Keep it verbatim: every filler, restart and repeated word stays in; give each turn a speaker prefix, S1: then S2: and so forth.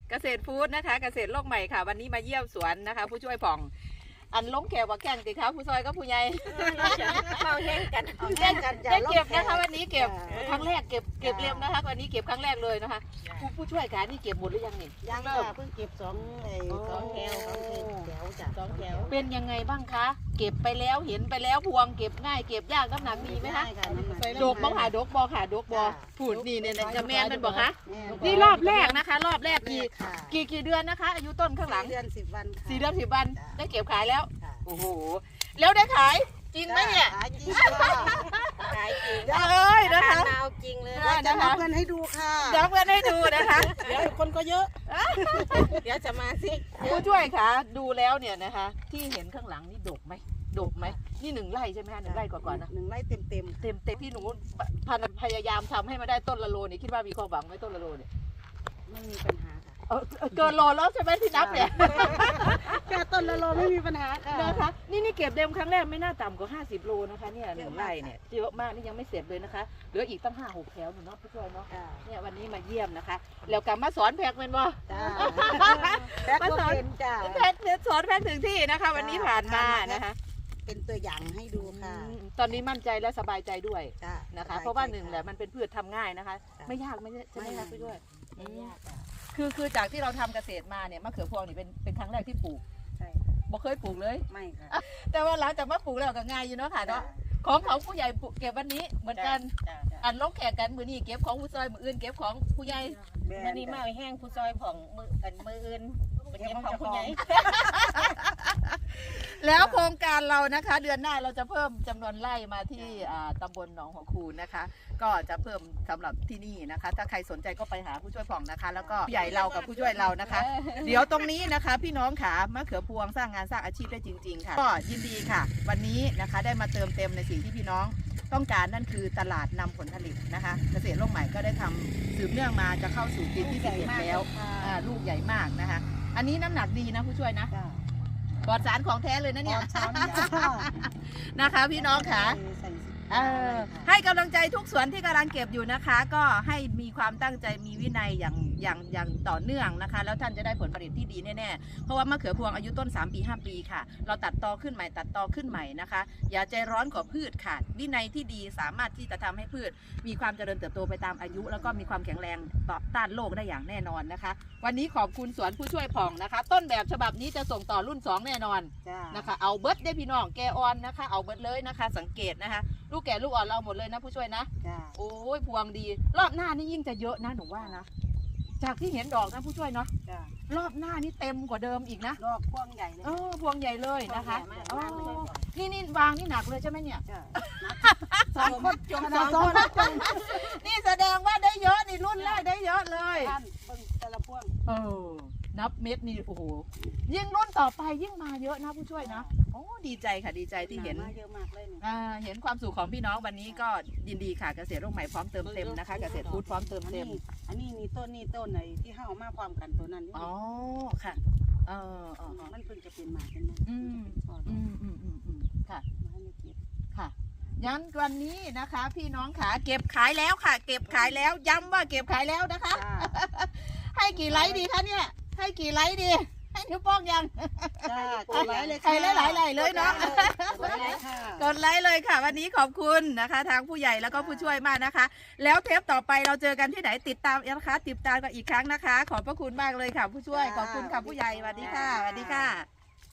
S1: เกษตรฟู้ดนะคะเกษตรโลกใหม่ค่ะวันนี้มาเยี่ยมสวนนะคะผู้ช่วยผ่องอันล้มแขวว่าแข่งติคะผู้ซอยก็ผู้ใหญ่
S2: เมาแห้งกัน
S1: แข่งกันได้เก็บนะคะวันนี้เก็บครั้งแรกเก็บเก็บเล็มนะคะวันนี้เก็บครั้งแรกเลยนะคะผู้ผู้ช่วยการนี่เก็บหมดหรือยังนี่
S2: ยังค่ะเพิ่งเก็บสองไอ้สองแถวสองแถวจ้ะสองแถว
S1: เป็นยังไงบ้างคะเก็บไปแล้วเห็นไปแล้วพวงเก็บง่ายเก็บยากน้ำหนักมีไหมคะโดกบ้องหาโดกบอค่ะโดกบอพูดนี่เนี่ยจะแมนมันบอกคะนี่รอบแรกนะคะ รอบแรกกี่กี่กี่เดือนนะคะอายุต้นข้างหลัง
S2: เดือนสิบวัน
S1: สี่เดือนสิบวันได้เก็บขายแล้วโอ้โหแล้วได้ขายจริงไหมเนี่ย
S2: ขายจริงขายจริง
S1: เอ้ยนะคะ
S2: นาวจริงเลยจะนับเงินให้ดูค่ะ
S1: เดี๋ยวเพื่อนให้ดูนะคะ
S2: เดี๋ยวคนก็เยอะเดี๋ยวจะมาสิ
S1: ผู้ช่วยคะดูแล้วเนี่ยนะคะที่เห็นข้างหลังนี่ดกไหมดกไหมนี่หนึ่งไร่ใช่ไหมคะหนึ่งไร่กว่าๆนะ
S2: หนึ่งไร่เต็มเต็ม
S1: เต็มเต็มพี่หนูพยายามทำให้มาได้ต้นละโลนี่คิดว่ามีความหวังไหมต้นละโลเนี่ย
S2: ไม่มีปัญหาค่ะ
S1: เกินโลแล้วใช่ไหมที่นับเนี่ย
S2: แค่ต้นละโลไม่มีปัญหาค่ะ
S1: นะคะนี่นี่เก็บเต็มครั้งแรกไม่น่าต่ำกว่าห้าสิบโลนะคะเนี่ยหนึ่งไร่เนี่ยเยอะมากนี่ยังไม่เสร็จเลยนะคะเหลืออีกตั้งห้าหกแถวหนูเนาะผู้ช่วยเนาะเนี่ยวันนี้มาเยี่ยมนะคะแล้วกลับมาสอนแพกเป็นบ่
S2: มาสอนจ้า
S1: แพกสอนแพกถึงที่นะคะวันนี้ผ่านมานะคะ
S2: เป็นตัวอย่างให้ดูค่ะ
S1: ตอนนี้มั่นใจและสบายใจด้วยนะคะเพราะว่าหนึ่งแหละมันเป็นพืชทำง่ายนะคะไม่ยากไม่ใช่ไหมคะผู้ช่วยคือคือจากที่เราทำเกษตรมาเนี่ยมะเขือพวงนี่เป็นเป็นครั้งแรกที่ปลูก
S2: ใช่
S1: บ่เคยปลูกเลย
S2: ไม่ค่ะ
S1: แต่ว่าหลังจากมาปลูกแล้วก็ง่ายอยู่เนาะค่ะเนาะของของผู้ใหญ่เก็บวันนี้เหมือนกันอันลงแขกกันมือนี้เก็บของผู้ซอยมืออื่นเก็บของผู้ใหญ่
S2: มือนี้มาแห้งผู้ซอยของมือกันมืออื่นเก็บของผู้ใหญ่
S1: แล้วโครงการเรานะคะเดือนหน้าเราจะเพิ่มจำนวนไร่มาที่ตำบลหนองหัวคูนนะคะก็จะเพิ่มสำหรับที่นี่นะคะถ้าใครสนใจก็ไปหาผู้ช่วยผ่องนะคะแล้วก็ผู้ใหญ่เรากับผู้ช่วยเรานะคะเดี๋ยวตรงนี้นะคะพี่น้องขามะเขือพวงสร้างงานสร้างอาชีพได้จริงๆค่ะก็ยินดีค่ะวันนี้นะคะได้มาเติมเต็มในสิ่งที่พี่น้องต้องการนั่นคือตลาดนำผลผลิตนะคะเกษตรโลกใหม่ก็ได้ทำสืบเนื่องมาจะเข้าสู่ปีที่สิบเอ็ดแล้วลูกใหญ่มากนะคะอันนี้น้ำหนักดีนะผู้ช่วยนะปลอดสารของแท้เลยนะเนี่ยนะคะพี่น้องค่ะให้กำลังใจทุกสวนที่กำลังเก็บอยู่นะคะก็ให้มีความตั้งใจมีวินัยอย่างอย่างอย่างต่อเนื่องนะคะแล้วท่านจะได้ผลผลิตที่ดีแน่ๆเพราะว่ามะเขือพวงอายุต้นสามปีห้าปีค่ะเราตัดตอขึ้นใหม่ตัดตอขึ้นใหม่นะคะอย่าใจร้อนกว่าพืชค่ะวินัยที่ดีสามารถที่จะทำให้พืชมีความเจริญเติบโตไปตามอายุแล้วก็มีความแข็งแรงต่อต้านโรคได้อย่างแน่นอนนะคะวันนี้ขอบคุณสวนผู้ช่วยผ่องนะคะต้นแบบฉบับนี้จะส่งต่อรุ่นสองแน่นอนนะคะเอาเบิร์ดได้พี่น้องแกออนนะคะเอาเบิร์ดเลยนะคะสังเกตนะคะลูกแก่ลูกอ่อนเราหมดเลยนะผู้ช่วยนะโอ้ยพวงดีรอบหน้านี่ยิ่งจะเยอะนะหนูว่านะจากที่เห็นดอกนะผู้ช่วยเนาะรอบหน้านี่เต็มกว่าเดิมอีกนะ
S2: ดอกพวงใหญ่เลย
S1: เออพวงใหญ่เลยนะคะนี่นี่วางนี่หนักเลยใช่ไหมเนี่ย
S2: สองคนจงสองคน
S1: นี่แสดงว่าได้เยอะนี่รุ่นแรกได้เยอะเลย
S2: แต่ละพวง
S1: เออนับเม็ดนี่โอ้โหยิ่งรุ่นต่อไปยิ่งมาเยอะนะผู้ช่วยนะโอ้ดีใจค่ะดีใจที่เห็น
S2: เยอะมากเลย
S1: อ่าเห็นความสุขของพี่น้องวันนี้ก็ยินดีค่ะเกษตรโลกใหม่พร้อมเติมเต็มนะคะเกษตรฟู้ดพร้อมเติมเต็ม
S2: อันนี้มีต้นนี่ต้นไหนที่ห้าวมาความกันตัวนั้น
S1: อ๋อค่ะเออ
S2: มันเพิ่งจะเป็นหมากเป็นมัน
S1: อืมอืมอืมอืมอืมค่ะค่ะยันวันนี้นะคะพี่น้องขาเก็บขายแล้วค่ะเก็บขายแล้วย้ำว่าเก็บขายแล้วนะคะให้กี่ไลค์ดีคะเนี่ยให้กี่ไลค์ดีให้นิ้วโป้งยัง
S2: กดไลค์เลย
S1: ใครหลายๆเลยเนาะกดไลค์เลยค่ะวันนี้ขอบคุณนะคะทางผู้ใหญ่แล้วก็ผู้ช่วยมากนะคะแล้วเทปต่อไปเราเจอกันที่ไหนติดตามนะคะติดตามกันอีกครั้งนะคะขอบพระคุณมากเลยค่ะผู้ช่วยขอบคุณค่ะผู้ใหญ่สวัสดีค่ะสวัสดีค่ะ